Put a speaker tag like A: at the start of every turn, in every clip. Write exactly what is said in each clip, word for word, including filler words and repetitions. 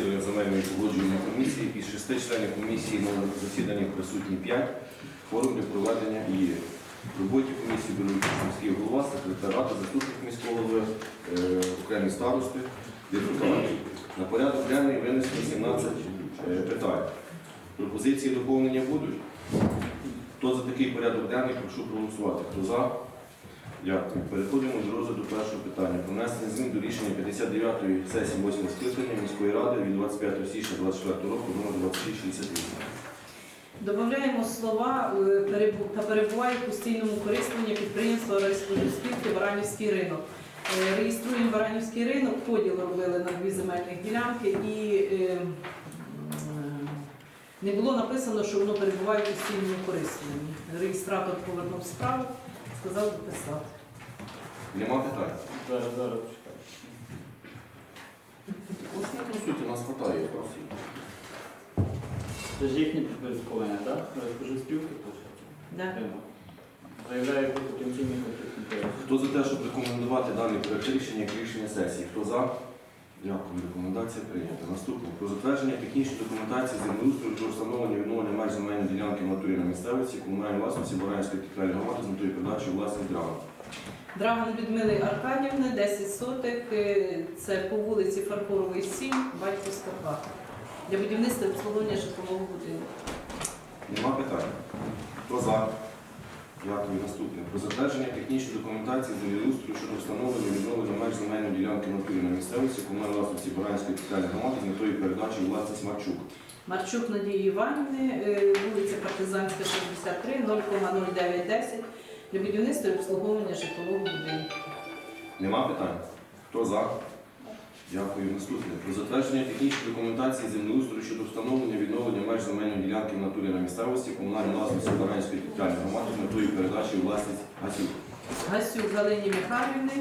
A: засідання земельної погоджувальної комісії. Із шести членів комісії на засіданні присутні п'ять. Форум для проведення і в роботі комісії беруть участь міський голова, секретар ради, заступник міського голови, е, окремі старости, депутати. На порядок денний винесено сімнадцять е, питань. Пропозиції доповнення будуть? Хто за такий порядок денний, прошу проголосувати. Хто за? Дякую. Переходимо до розгляду першого питання. Про внесення змін до рішення п'ятдесят дев'ятої сесії восьмого скликання міської ради від двадцять п'ятого січня двадцять четвертого року номер двадцять шість шістдесят вісім.
B: Додаємо слова та перебуває в постійному користуванні підприємства Райспоживспілки Баранівський ринок. Реєструємо Баранівський ринок, поділ робили на дві земельних ділянки і не було написано, що воно перебуває в постійному користуванні. Реєстратор повернув справу, сказав дописати.
A: Нема питань?
C: Зараз, зараз чекаю.
A: Ось не консуйте, нас хватає.
C: Це ж їхнє підпорядкування, так? Розпоживспілки,
B: Да.
C: Заявляє про потенційний конфлікт інтересів.
A: Хто за те, щоб рекомендувати даний проект рішення як рішення сесії? Хто за? Дякую. Рекомендація прийнята. Наступне. Про затвердження технічної документації землеустрою для встановлення відновлення меж земельної ділянки в натурі на місцевості комунальної власності Баранівської територіальної громади з метою передачі у власність Драган.
B: Драган Людмили Аркадівни, десять соток, це по вулиці Фарфорової, сім, батьківська хата. Для будівництва і обслуговування житлового будинку.
A: Нема питань? Хто за? Дякую. Наступне. Про затвердження технічної документації землеустрою щодо встановлення і відновлення меж земельної ділянки в натурі на місцевості комунальної власності Баранівської територіальної громади з метою передачі у власність Марчук.
B: Марчук Надії Іванівни, вулиця Партизанська, шістдесят три, нуль нуль дев'ять десять для будівництва і обслуговування житлового будинку.
A: Нема питань? Хто за? Дякую. Наступне. Про затвердження технічної документації землеустрою щодо встановлення і відновлення меж земельної ділянки в натурі на місцевості комунальної власності Баранівської територіальної громади з метою передачі у власність Гасюк.
B: Гасюк Галині Михайлівни,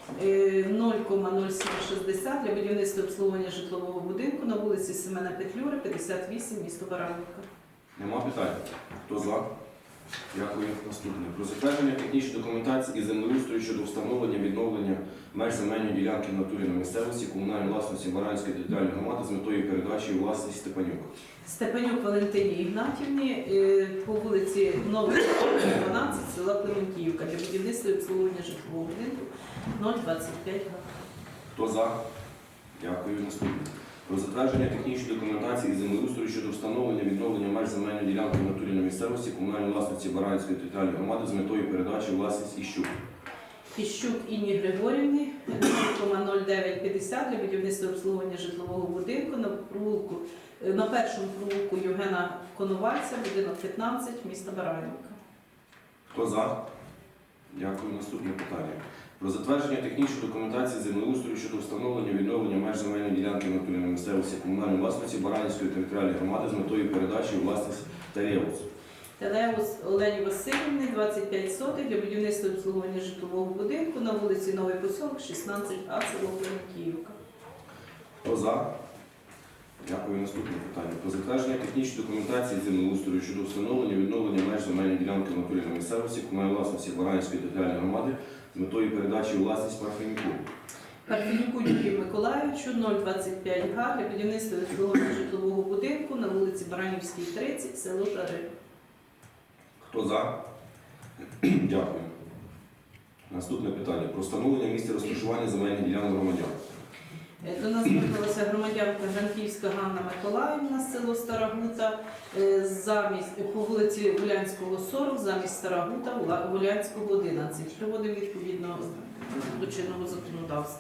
B: нуль нуль сім шістдесят для будівництва і обслуговування житлового будинку на вулиці Семена Петлюри, п'ятдесят вісім, місто Баранівка.
A: Нема питань? Хто за? Дякую. Наступне. Про затвердження технічної документації і землеустрою щодо встановлення і відновлення меж земельної ділянки в натурі на місцевості комунальної власності Баранівської територіальної громади з метою передачі у власність Степанюк.
B: Степанюк Валентині Ігнатівні по вулиці Новий дванадцять, села Клементіївка для будівництва і обслуговування житлового будинку нуль двадцять п'ять.
A: Хто за? Дякую. Наступне. Про затвердження технічної документації і землеустрою щодо встановлення і відновлення меж земельної ділянки в натурі на місцевості комунальної власності Баранівської територіальної громади з метою передачі у власність Іщук.
B: Іщук Інні Григорівни, нуль нуль дев'ять п'ятдесят для будівництва і обслуговування житлового будинку на провулку, на першому провулку Євгена Коновальця, будинок п'ятнадцять, міста Баранівка.
A: Хто за? Дякую. Наступне питання. Про затвердження технічної документації землеустрою щодо встановлення і відновлення меж земельної ділянки в натурі на місцевості комунальної власності Баранівської територіальної громади з метою передачі у власність Телеус.
B: Телеус Олені Васильівни, двадцять п'ять соток для будівництва і обслуговування житлового будинку на вулиці Новий Посілок, шістнадцять А, село Клементіївка.
A: Хто за? Дякую. Наступне питання. Про затвердження технічної документації землеустрою щодо встановлення і відновлення меж земельної ділянки в натурі на місцевості комунальної власності Баранівської територіальної громади з метою передачі у власність Парфенюку.
B: Парфенюку Юрію Миколаївичу, нуль двадцять п'ять га для будівництва і обслуговування житлового будинку на вулиці Баранівській, тридцять, село Жари.
A: Хто за? Дякую. Наступне питання. Про встановлення місця розташування земельних ділянок громадян.
B: До нас звернулася громадянка Гранківська Ганна Миколаївна з село Старагута, замість, по вулиці Улянського, сорок, замість Старагута, Улянського, одинадцять. Приводимо відповідно до чинного законодавства.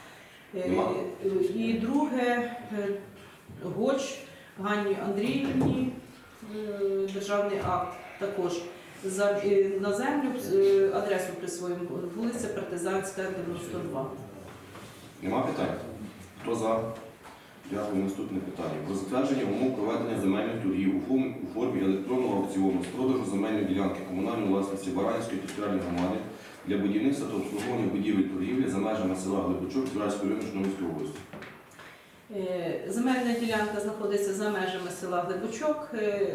B: І друге, Гоч Ганні Андріївні, державний акт також. За, на землю адресу присвоїмо, вулиця Партизанська, дев'яносто два.
A: Нема питань? Хто за? Дякую. Наступне питання. Про затвердження умов проведення земельних торгів у формі електронного аукціону з продажу земельної ділянки комунальної власності Баранівської територіальної громади для будівництва та обслуговування будівель торгівлі за межами села Глибочок Збиральської району Житомирської області.
B: Земельна ділянка знаходиться за межами села Глибочок,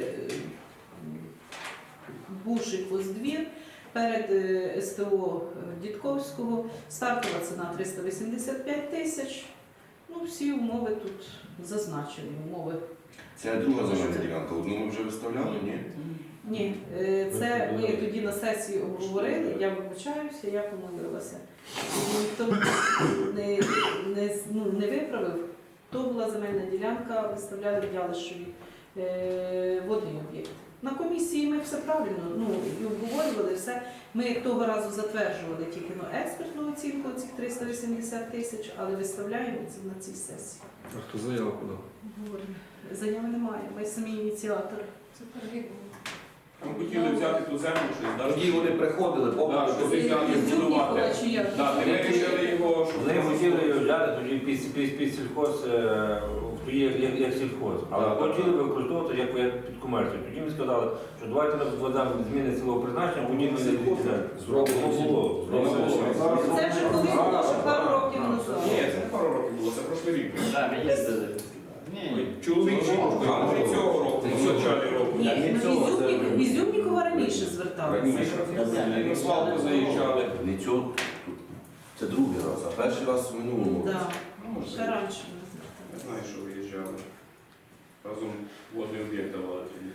B: бувший поздвір, перед ес те о Дідковського. Стартова ціна триста вісімдесят п'ять тисяч. Ну, всі умови тут зазначені. Умови.
A: Це друга земельна ділянка. Одну ми вже виставляли, ні?
B: Ні, е, це ми тоді на сесії обговорили, я вибачаюся, я помилилася. Ніхто не, не, ну, не виправив. То була земельна ділянка, виставляли в Ялишеві е, водний об'єкт. На комісії ми все правильно ну, і обговорювали все. Ми того разу затверджували тільки ну, експертну оцінку цих триста вісімдесят тисяч, але виставляємо це на цій сесії.
D: А хто заяву подав?
B: Говоримо. Заяви немає, ми самі ініціатори. Це перевіримо.
E: Там хотіли взяти ту землю, щось
A: Тоді вони приходили,
E: Да,
A: побачили.
E: що ви взяли будувати.
B: Чи як?
E: Да, ми вирішили його, щоб
F: Вони хотіли його взяти тоді під, під, під сільхоз, е, тоді як, як, як сільхоз, але
E: Так, так,
F: хотіли
E: так.
F: використовувати як, як під комерцію. Тоді ми сказали, що давайте нам вода зміни цілого призначення, будівлі не відрізаємо.
A: Зроблено
F: було.
A: Зроблено.
B: Це вже колись було, що пару років назад.
E: Ні, це не пару років було, це прошлий рік.
C: Так, ми їздили. Ні.
E: Чоловік жінкою,
A: А,
E: може
A: ну,
E: цього року,
A: це
E: в
A: цього.
E: початку року.
B: Ні,
F: не
B: ну,
F: цього,
B: Ізюмнік-
F: це-
B: Ізюмнікова раніше зверталися.
E: Раніше на свалку заїжджали.
A: Не цього. Це другий раз, а перший раз в минулому році.
B: Так,
E: Ну, може,
B: ще раніше ми
E: Не
B: зверталися.
E: знаю, що виїжджали. Разом водний об'єкт давали тоді.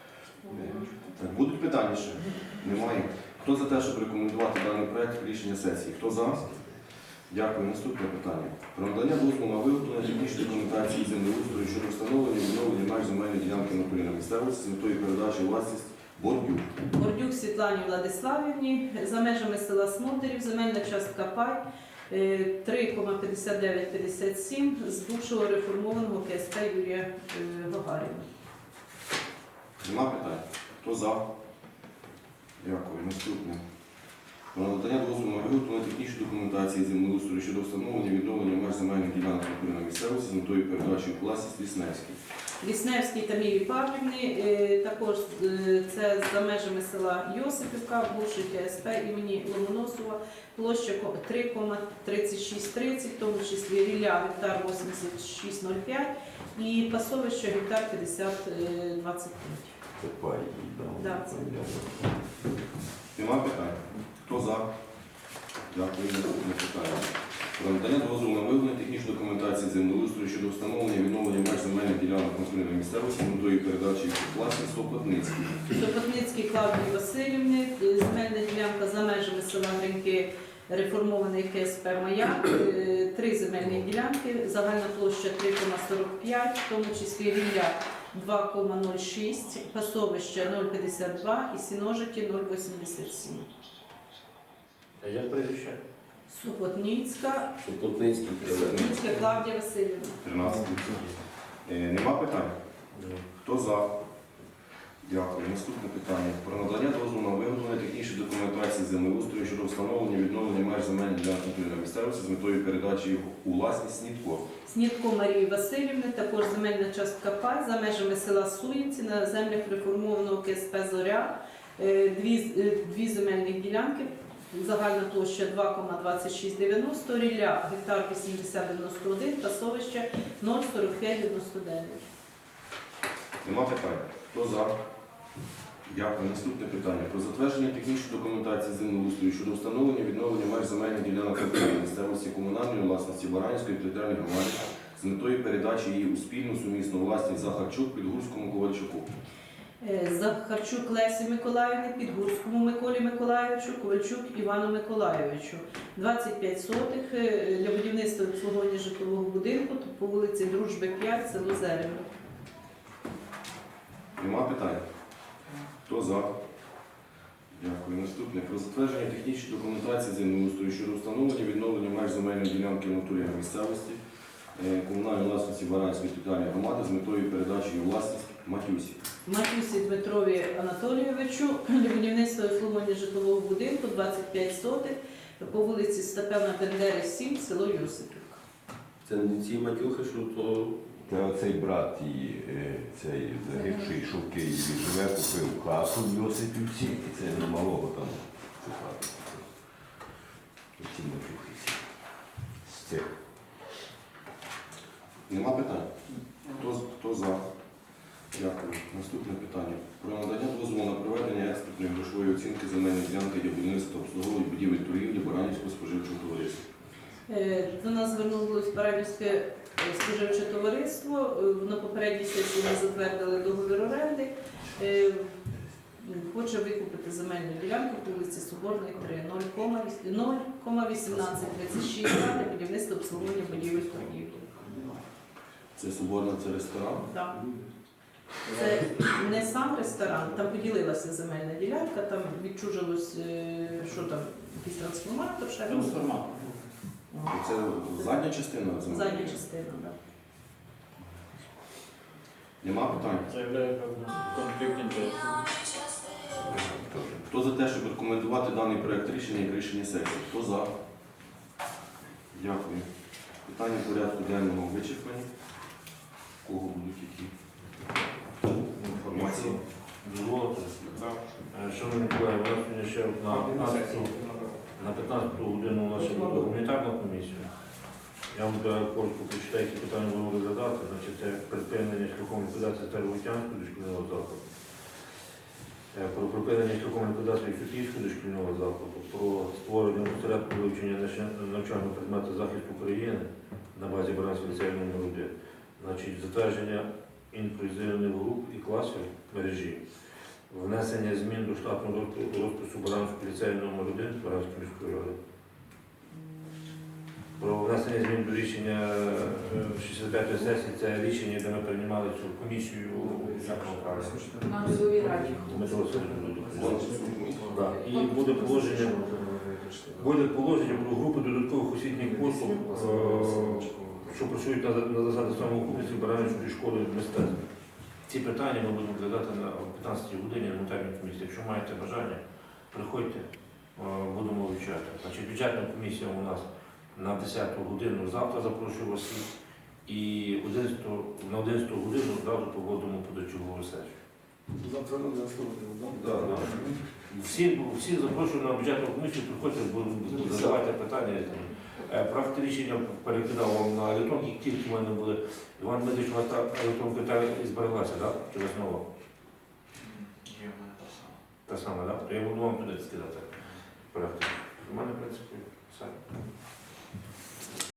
A: Так, будуть питання ще? Немає. Хто за те, щоб рекомендувати даний проект рішення сесії? Хто за? Дякую. Наступне питання. Про надання дозволу на виготовлення технічної документації землеустрою щодо встановлення і відновлення меж земельної ділянки на полі на місцевості з метою передачі у власність Бордюк.
B: Бордюк Світлані Владиславівні, за межами села Смотрів, земельна частка пай е, три п'ятдесят дев'ять п'ятдесят сім з бувшого реформованого КСП Юрія е, Гагаріна.
A: Нема питань? Хто за? Дякую. Наступне. Про надання дозволу на виготовлення технічної документації землеустрою щодо встановлення і відновлення меж земельних ділянок на полі на місцевості з метою передачі у власність Лісневській.
B: Лісневській Тамілі Павлівні, е, також е, це за межами села Йосипівка, бувший КСП імені Ломоносова, площа три тридцять шість тридцять, в тому числі рілля гектар вісімдесят шість нуль п'ять і пасовище гектар п'ятдесят двадцять п'ять.
F: Це пай.
B: Да, це.
A: Нема питань? Хто за? Дякую. Наступне питання. Про надання дозволу на виготовлення технічної документації землеустрою щодо встановлення і відновлення меж земельних ділянок на полі на місцевості з метою передачі їх у власність Сопотницькій.
B: Сопотницькій Клавдії Васильівни, е, земельна ділянка за межами села Гриньки, реформований КСП Маяк, е, три земельні ділянки, загальна площа три сорок п'ять, в тому числі рілля два нуль шість, пасовище нуль п'ятдесят два і сіножиті нуль вісімдесят сім.
F: А як прізвище?
B: Супотницька,
A: Сопотницький.
B: Супотницька Клавдія Васильівна.
A: тринадцять. Е, Нема питань? Хто за? Дякую. Наступне питання. Про надання дозволу на виготовлення технічної документації землеустрою щодо встановлення і відновлення меж земельних ділянок на полі на місцевості з метою передачі їх у власність Снітко.
B: Снітко Марії Васильівни, також земельна частка пай за межами села Суїнці на землях реформованого КСП Зоря. Е, Дві, е, дві земельні ділянки, загальна площа два двадцять шість дев'яносто, рілля гектар вісімдесят дев'яносто один, пасовище нуль сорок п'ять дев'яносто дев'ять.
A: Нема питань? Хто за? Дякую. Наступне питання. Про затвердження технічної документації землеустрою щодо встановлення і відновлення меж земельних ділянок на полі на місцевості комунальної власності Баранівської територіальної громади з метою передачі її у спільну сумісну власність Захарчук Підгурському Ковальчуку.
B: Е, Захарчук Лесі Миколаївні, Підгурському Миколі Миколайовичу, Ковальчук Івану Миколайовичу. двадцять п'ять сотих е, для будівництва і обслуговування житлового будинку по вулиці Дружби п'ять, село Зерево.
A: Нема питань? Хто за? Дякую. Наступне. Про затвердження технічної документації землеустрою щодо встановлення і відновлення меж земельної ділянки в натурі на місцевості е, комунальної власності Баранської територіальної громади з метою передачі її у власність Матюсі.
B: Матюсі Дмитрові Анатолійовичу для будівництва і обслуговування житлового будинку двадцять п'ять сотих по вулиці Степана Бендери, сім, село Йосипівка.
G: Це не ці матюхи, що то
H: Та цей брат і е, цей загибший, що в Києві живе, купив хату в Йосипівці, і це на малого там цю хату. Ці матюхи всі. З цих.
A: Нема питань? Хто, з- хто за? Дякую. Наступне питання. Про надання дозволу на проведення експертної грошової оцінки земельної ділянки для будівництва та обслуговування будівель торгівлі Баранівського споживчого товариства.
B: Е, До нас звернулося Парадівське е, споживче товариство. Е, На попередній сесії ми затвердили договір оренди. Е, Хоче викупити земельну ділянку по вулиці Соборної, три, нуль кома вісімнадцять тридцять шість для будівництва обслуговування будівель торгівлі.
A: Це Соборна, це ресторан.
B: Так. Це не сам ресторан, там поділилася земельна ділянка, там відчужилось, е, що там, якийсь трансформатор, ще щось.
C: Трансформатор.
B: О,
A: Це задня частина землі?
B: Задня частина, так.
A: Нема питань?
C: Заявляю про конфлікт інтересів.
A: Хто за те, щоб рекомендувати даний проект рішення як рішення сесії? Хто за? Дякую. Питання порядку денного вичерпані. У кого будуть які інформації?
F: Дозволите? Е, Шановні колеги, у нас сьогодні ще на акцію на п'ятнадцяту годину у нас ще буде гуманітарна комісія. Я вам зараз коротко прочитаю, які питання будемо розглядати. Значить, це припинення шляхом ліквідації Старовутянського дошкільного закладу, Е, про припинення шляхом ліквідації Сутівського дошкільного закладу, про створення осередку вивчення наш- навчального предмету захисту України на базі Баранського ліцею номер один. Значить, затвердження інклюзивних груп і класів мережі, внесення змін до штатного розпису розпису Баранського ліцею номер один Баранської міської ради. Про внесення змін до рішення е, шістдесят п'ятої сесії, це рішення, де ми приймали цю комісію
B: На Людовій раді.
F: Дмитро Васильович. Да. І буде положення, буде положення про групи додаткових освітніх послуг, е, що працюють на, на засади самоокупності Баранівської школи мистецтв. Ці питання ми будемо розглядати на п'ятнадцятій годині на монтажній комісії. Якщо маєте бажання, приходьте, е, будемо вивчати. Значить, бюджетна комісія у нас на десяту годину завтра запрошую вас всіх. І одинадцяту на одинадцяту годину одразу проводимо позачергову сесію.
G: Завтра на наступний,
F: Да, да. Всі, всі запрошую на бюджетну комісію, приходьте, будемо задавати питання. Е, Проект рішення перекидав вам на електронки, як тільки в мене були. Іван Дмитрович, у вас та електронка та збереглася, так? Чи вас нова?
C: Є в мене та сама.
F: Та сама, так? То я буду вам туди скидати. Проект. У мене, в принципі, все.